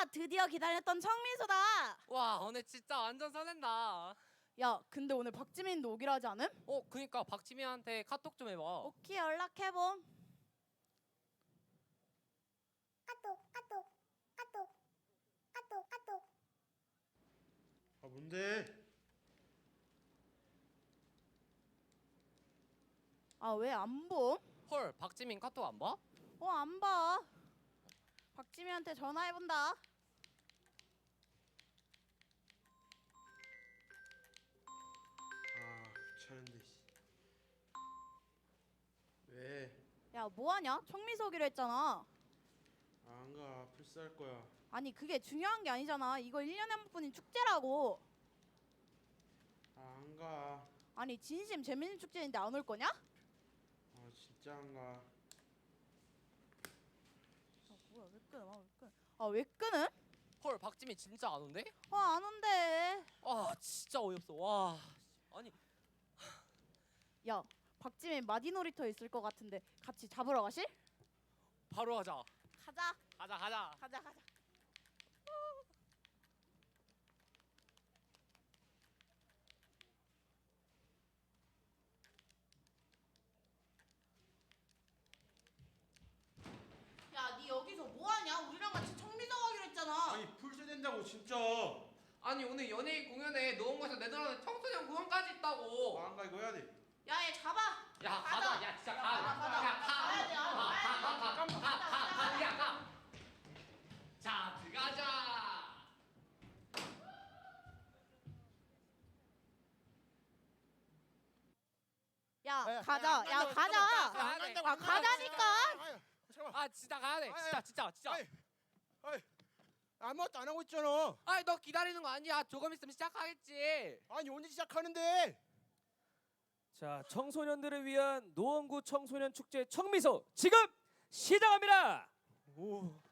드디어 기다렸던 청미소다. 와 오늘 진짜 완전 설렌다. 야, 근데 오늘 박지민도 오기로 하지 않음? 그니까 박지민한테 카톡 좀 해봐. 오케이, 연락해봄. 아 뭔데? 아, 왜 안 봄? 헐 박지민 카톡 안 봐? 안 봐. 박지민한테 전화해본다. 아 귀찮은데 씨. 왜? 야, 뭐하냐? 청미소 오기로 했잖아. 안가 풀스할 거야. 아니, 그게 중요한 게 아니잖아. 이거 1년에 한 번뿐인 축제라고. 안가. 아니, 진심 재밌는 축제인데 안 올 거냐? 아 진짜 안가. 아, 뭐야, 왜 끊어? 왜 끊어? 아, 왜 끊음? 헐 박지민 진짜 안 온대? 안 온대. 아 진짜 어이없어. 와 아니 야, 박지민 마디 놀이터 있을 것 같은데 같이 잡으러 가실? 바로 하자. 가자. 가자. 야, 니 여기서 뭐하냐? 우리랑 같이 청미소 가기로 했잖아. 아니 풀스 된다고 진짜. 아니 오늘 연예인 공연에 노원구에서 내드라는 청소년 공연까지 있다고. 안가 이거 해야 돼. 야, 얘 잡아. 야 가자. 가자. 야 진짜 가. 가야 돼. 가. 자 들어가자. 야, 가자. 야, 가자. 아, 가자니까. 아 진짜 가야 돼. 진짜. 아무것도 안 하고 있잖아. 아니 너 기다리는 거 아니야. 조금 있으면 시작하겠지. 아니 언제 시작하는데? 자, 청소년들을 위한 노원구 청소년 축제 청미소 지금 시작합니다. 오.